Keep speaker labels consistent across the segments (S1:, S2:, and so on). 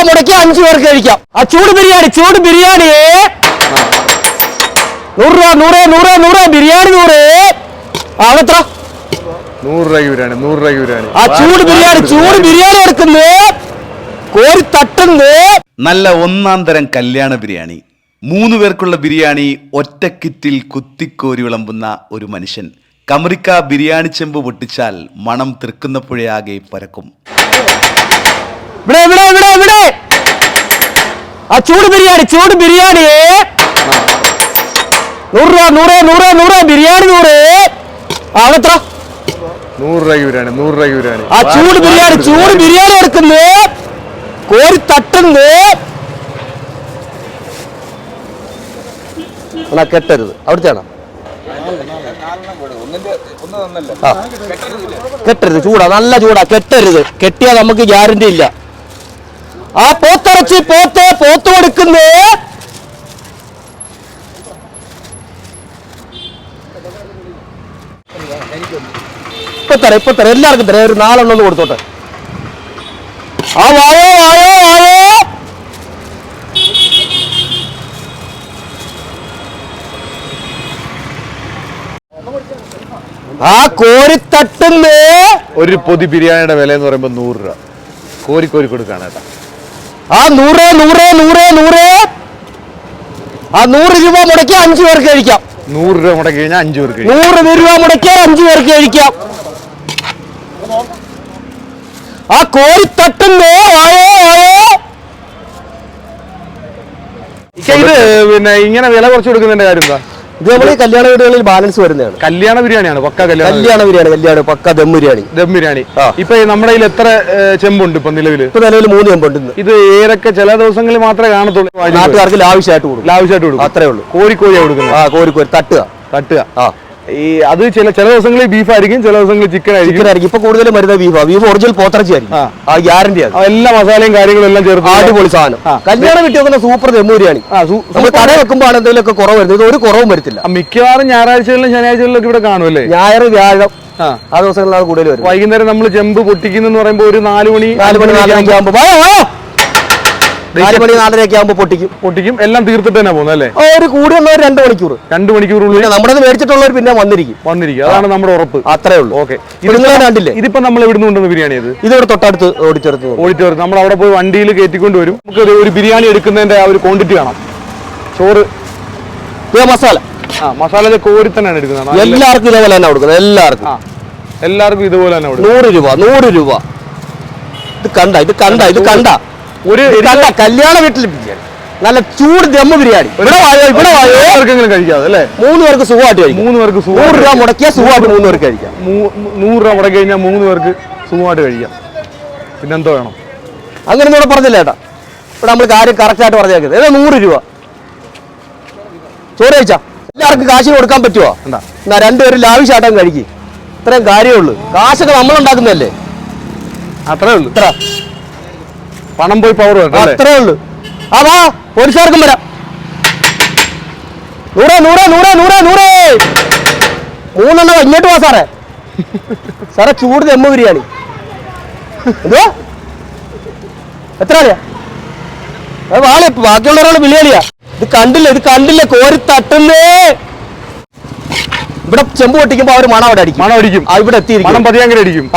S1: മുടക്കി 5 പേർക്ക് കഴിക്കാം. ആ ചൂട് ബിരിയാണി 100 രൂപ 100 ബിരിയാണി 100. അതെത്ര?
S2: 100 രൂപയ്ക്ക് ബിരിയാണി.
S1: ആ ചൂട് ബിരിയാണി എടുക്കുന്നു, കോരി തട്ടുന്നു.
S3: നല്ല ഒന്നാം തരം കല്യാണ ബിരിയാണി, 3 പേർക്കുള്ള ബിരിയാണി ഒറ്റ കിറ്റിൽ കുത്തിക്കോരി വിളമ്പുന്ന ഒരു മനുഷ്യൻ. കമറിക്ക ബിരിയാണി ചെമ്പ് പൊട്ടിച്ചാൽ മണം തൃക്കുന്നപ്പുഴയാകെ പരക്കും.
S1: ഇവിടെ ആ ചൂട് ബിരിയാണി 100 രൂപ ബിരിയാണി 100. അതെത്ര?
S2: 100 രൂപയ്ക്ക് ബിരിയാണി.
S1: ആ ചൂട് ബിരിയാണി എടുക്കുന്നു, കോരി തട്ടുന്നു. കെട്ടരുത്, അവിടുത്തെയാണോ? കെട്ടരുത്, നല്ല ചൂടാ, കെട്ടരുത്. കെട്ടിയാ നമുക്ക് ഗ്യാരണ്ടി ഇല്ല. ആ പോത്തിറച്ചി പോത്ത് കൊടുക്കുന്നു. ഇപ്പൊ തരാം എല്ലാവർക്കും തരാം. ഒരു 4 എണ്ണം കൊടുത്തോട്ടെ. ആ വായോ. ആ കോരി തട്ടുന്നു.
S2: ഒരു പൊതി ബിരിയാണിയുടെ വില എന്ന് പറയുമ്പോൾ 100 രൂപ. കോരി കൊടുക്കാണ് കേട്ടോ.
S1: ആ 100 ആ 100 രൂപ മുടക്കി 5 പേർക്ക് കഴിക്കാം.
S2: 100 രൂപ മുടക്കി കഴിഞ്ഞാൽ 5 പേർക്ക്
S1: 100 രൂപ മുടക്കിയാൽ 5 പേർക്ക് കഴിക്കാം. ആ കോരി തട്ടുന്നു.
S2: ഇത് പിന്നെ ഇങ്ങനെ വില കുറച്ച് കൊടുക്കുന്നതിന്റെ കാര്യം എന്താ?
S1: ഇത് നമ്മൾ കല്യാണ വീടുകളിൽ ബാലൻസ് വരുന്നതാണ്.
S2: കല്യാണ ബിരിയാണിയാണ്, പക്ക
S1: കല്യാണ ബിരിയാണി പക്ക ദം ബിരിയാണി.
S2: ഇപ്പൊ നമ്മുടെ കയ്യിൽ എത്ര ചെമ്പുണ്ട് ഇപ്പൊ നിലവില്?
S1: 3 ചെമ്പുണ്ട്.
S2: ഇത് ഏതൊക്കെ ചില ദിവസങ്ങളിൽ മാത്രമേ കാണത്തുള്ളൂ,
S1: നാട്ടുകാർക്ക് ലാവിഷായിട്ട് കൊടുക്കും. അത്രേ ഉള്ളൂ.
S2: കോരിക്കോഴിയാ കൊടുക്കുന്നത്.
S1: കോരി തട്ടുക.
S2: അത് ചില ദിവസങ്ങളിൽ ബീഫ് ആയിരിക്കും, ചില ദിവസങ്ങളിൽ ചിക്കൻ ആയിരിക്കും.
S1: ഇപ്പൊ കൂടുതലും വരുന്നത് ബീഫ് ഒറിജിനൽ പോത്തിറച്ചി ആയിരിക്കും. ആ ഗ്യാരണ്ടി ആണ്.
S2: എല്ലാ മസാലയും കാര്യങ്ങളും എല്ലാം ചേർത്ത്
S1: അടിപൊളി സാധനം. കല്യാണം വീട്ടിൽ വെക്കുന്ന സൂപ്പർ ദം ബിരിയാണി. നമ്മൾ കട വെക്കുമ്പോൾ എന്തെങ്കിലുമൊക്കെ കുറവ് വരുന്നത്, ഒരു കുറവും വരത്തില്ല.
S2: മിക്കവാറും ഞായറാഴ്ചകളിലും ശനിയാഴ്ചകളിലും ഇവിടെ കാണുമല്ലേ?
S1: ഞായർ വ്യാഴം ആ ദിവസങ്ങളിലാണ് കൂടുതൽ വരും.
S2: വൈകുന്നേരം നമ്മൾ ചെമ്പ് പൊട്ടിക്കുന്നു പറയുമ്പോൾ ഒരു 4 മണി
S1: 4:30 ആകുമ്പോ പൊട്ടിക്കും.
S2: എല്ലാം തീർത്തിട്ട് തന്നെ പോകുന്നത് അല്ലേ?
S1: ഒരു കൂടിയുള്ളവർ 2 മണിക്കൂറുള്ളിൽ നമ്മുടെ മേടിച്ചിട്ടുള്ളവർ പിന്നെ വന്നിരിക്കും.
S2: അതാണ് നമ്മുടെ ഉറപ്പ്.
S1: അത്രേ ഉള്ളൂ.
S2: ഓക്കെ.
S1: കണ്ടില്ലേ?
S2: ഇതിപ്പോ നമ്മൾ എവിടുന്ന് കൊണ്ടുവന്ന ബിരിയാണി?
S1: ഇതിവിടെ തൊട്ടടുത്ത് ഓടിച്ചേർത്ത്
S2: നമ്മൾ അവിടെ പോയി വണ്ടിയിൽ കയറ്റിക്കൊണ്ട് വരും. നമുക്ക് ഒരു ബിരിയാണി എടുക്കുന്നതിന്റെ ആ ഒരു ക്വാണ്ടിറ്റി കാണാം. ചോറ് മസാല കോരി തന്നെയാണ് എടുക്കുന്നത്.
S1: എല്ലാവർക്കും ഇതേപോലെ തന്നെ കൊടുക്കുന്നത്.
S2: എല്ലാവർക്കും ഇതുപോലെ തന്നെ
S1: 100 രൂപ. ഇത് കണ്ട ഒരു കല്യാണ വീട്ടിൽ ബിരിയാണി, നല്ല ചൂട് ദം ബിരിയാണി. ഇവിടെ
S2: കഴിക്കാം അല്ലേ?
S1: 3 പേർക്ക് സുഖമായിട്ട് കഴിക്കാം. 100 രൂപ മുടക്കിയാൽ സുഖമായിട്ട് 3 പേർക്ക് കഴിക്കാം.
S2: 100 രൂപ മുടക്കി കഴിഞ്ഞാൽ 3 പേർക്ക് സുഖമായിട്ട് കഴിക്കാം. പിന്നെന്തോ വേണം?
S1: അങ്ങനെ ഇവിടെ പറഞ്ഞില്ല ചേട്ടാ. ഇവിടെ നമ്മൾ കാര്യം കറക്റ്റായിട്ട് പറഞ്ഞേക്കുന്നത്. 100 രൂപ ചോറ് കഴിച്ചാ എല്ലാവർക്കും കാശിന് കൊടുക്കാൻ പറ്റുമോ? എന്നാ 2 പേരും ലാവിഷാട്ടം കഴിക്കും. ഇത്രയും കാര്യമുള്ളൂ. കാശൊക്കെ നമ്മളുണ്ടാക്കുന്നതല്ലേ?
S2: അത്രേ ഉള്ളൂ. പണം പോയി പവർ
S1: അത്രേ ഉള്ളൂ. വാ പോലീസുകാർക്കും വരാം. 100 3 ഇങ്ങോട്ട് വാ സാറേ. ചൂട് ദം ബിരിയാണി എത്ര അറിയാ? ബാക്കിയുള്ളവരോട് വിളിയാളിയാ. ഇത് കണ്ടില്ല കോരി തട്ടുന്നേ. ഇവിടെ ചെമ്പ് പൊട്ടിക്കുമ്പോ അവര് മണം അടിക്കും. ഇവിടെ എത്തിയിരിക്കും.
S2: പതിയാങ്കര അടിക്കും.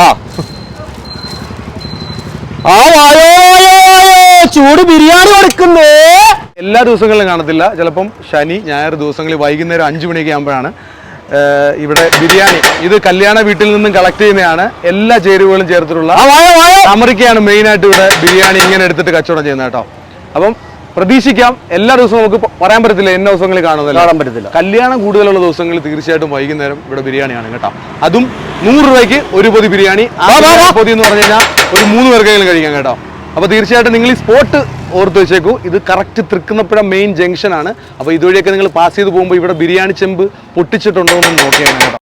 S1: ചൂട് ബിരിയാണി കൊടുക്കുന്നു.
S2: എല്ലാ ദിവസങ്ങളിലും കാണത്തില്ല, ചിലപ്പം ശനി ഞായർ ദിവസങ്ങളിൽ വൈകുന്നേരം 5 മണിയൊക്കെ ആകുമ്പോഴാണ് ഇവിടെ ബിരിയാണി. ഇത് കല്യാണ വീട്ടിൽ നിന്നും കളക്ട് ചെയ്യുന്നതാണ്. എല്ലാ ചേരുവകളും ചേർത്തിട്ടുള്ള അമറിക്കയാണ് മെയിനായിട്ട് ഇവിടെ ബിരിയാണി ഇങ്ങനെ എടുത്തിട്ട് കച്ചവടം ചെയ്യുന്നത് കേട്ടോ. അപ്പം പ്രതീക്ഷിക്കാം. എല്ലാ ദിവസവും നമുക്ക് പറയാൻ പറ്റത്തില്ല, എല്ലാ ദിവസങ്ങളിൽ കാണാൻ പറ്റത്തില്ല. കല്യാണം കൂടുതലുള്ള ദിവസങ്ങളിൽ തീർച്ചയായിട്ടും വൈകുന്നേരം ഇവിടെ ബിരിയാണിയാണ് കേട്ടോ. അതും 100 രൂപയ്ക്ക് ഒരു പൊതി ബിരിയാണി. പൊതി എന്ന് പറഞ്ഞു കഴിഞ്ഞാൽ ഒരു 3 പേർക്കെങ്കിലും കഴിക്കാം കേട്ടോ. അപ്പോൾ തീർച്ചയായിട്ടും നിങ്ങൾ ഈ സ്പോട്ട് ഓർത്ത് വെച്ചേക്കൂ. ഇത് കറക്റ്റ് തൃക്കുന്നപ്പുഴ മെയിൻ ജംഗ്ഷൻ ആണ്. അപ്പോൾ ഇതുവഴിയൊക്കെ നിങ്ങൾ പാസ് ചെയ്ത് പോകുമ്പോൾ ഇവിടെ ബിരിയാണി ചെമ്പ് പൊട്ടിച്ചിട്ടുണ്ടോ എന്ന് നോക്കിയാണ് കേട്ടോ.